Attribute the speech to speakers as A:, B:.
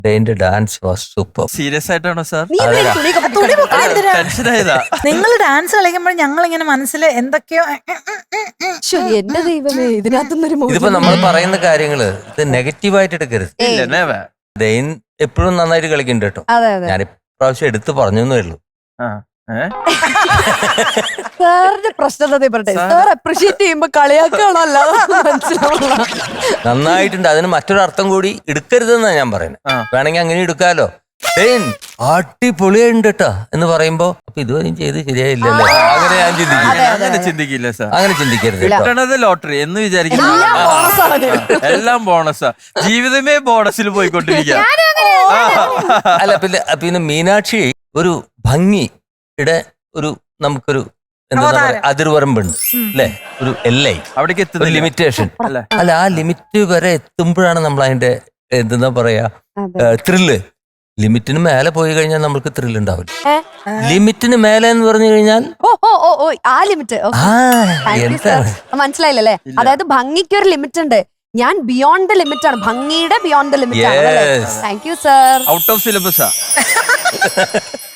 A: ഡെയിന്റെ dance was super.
B: Serious ആയിട്ടാണോ sir? ടെൻഷനായതാ.
C: നിങ്ങൾ ഡാൻസ് കളിക്കുമ്പോൾ ഞങ്ങൾ ഇങ്ങനെ മനസ്സിൽ എന്തൊക്കെയോ
D: എന്റെ ദൈവമേ, ഇതിനകത്തുനിന്നൊരു
A: ഇതിപ്പോ നമ്മൾ പറയുന്ന കാര്യങ്ങള് ഇത് നെഗറ്റീവായിട്ട് എടുക്കരുത്.
B: ഇല്ല, never.
A: ഡെയിൻ എപ്പോഴും നന്നായിട്ട് കളിക്കുന്നുണ്ട് കേട്ടോ.
D: അതെ അതെ.
A: ഞാൻ ഇപ്രാവശ്യം എടുത്ത് പറഞ്ഞേ ഉള്ളൂ.
B: ആ, ഏ?
D: സാറിന്റെ പ്രശ്നം എന്താ പറയട്ടെ, സാർ അപ്രീഷിയേറ്റ് ചെയ്യുമ്പോ കളിയാക്കാണോ അല്ലാതെ മനസ്സിലാവുള്ള.
A: നന്നായിട്ടുണ്ട്. അതിന് മറ്റൊരർത്ഥം കൂടി എടുക്കരുതെന്നാ ഞാൻ പറയുന്നത്. വേണമെങ്കിൽ അങ്ങനെ എടുക്കാലോ. ഡെയിൻ അടിപൊളിയുണ്ട് കേട്ടോ എന്ന് പറയുമ്പോ അപ്പൊ ഇതുവരെയും ചെയ്ത് ശരിയായില്ലല്ലോ, അങ്ങനെ ഞാൻ ചിന്തിക്കും.
B: അങ്ങനെ ചിന്തിക്കില്ല സാർ.
A: അങ്ങനെ ചിന്തിക്കരുത് കേട്ടോ.
B: കിട്ടണത് ലോട്ടറി എന്ന് വിചാരിക്കുന്നു. എല്ലാം ബോണസാ. ജീവിതമേ ബോണസിൽ പോയിക്കൊണ്ടിരിക്കുക.
A: അല്ല പിന്നെ മീനാക്ഷി ഒരു ഭംഗിയുടെ നമുക്കൊരു എന്താ പറയാ അതിർവരമ്പുണ്ട് അല്ലെ, ഒരു എல்லை,
B: അവിടേക്ക്
A: ഒരു ലിമിറ്റേഷൻ. അല്ല ആ ലിമിറ്റ് വരെ എത്തുമ്പോഴാണ് നമ്മൾ അതിന്റെ എന്താ പറയാ ത്രില്ല്. ലിമിറ്റിന് മേലെ പോയി കഴിഞ്ഞാൽ നമുക്ക് ത്രില്ല് ഉണ്ടാവില്ല. ലിമിറ്റിന് മേലെ എന്ന് പറഞ്ഞു കഴിഞ്ഞാൽ
D: ആ ലിമിറ്റ്
A: എന്താണ്
D: മനസ്സിലായില്ലേ? അതായത് ഭംഗിക്ക് ഒരു ലിമിറ്റ് ഉണ്ട്. ഞാൻ ബിയോണ്ട് ദ ലിമിറ്റ് ആണ്, ഭംഗിയുടെ ബിയോണ്ട് ദ ലിമിറ്റ് ആണ്. Thank you sir.
B: Out of സിലബസാ.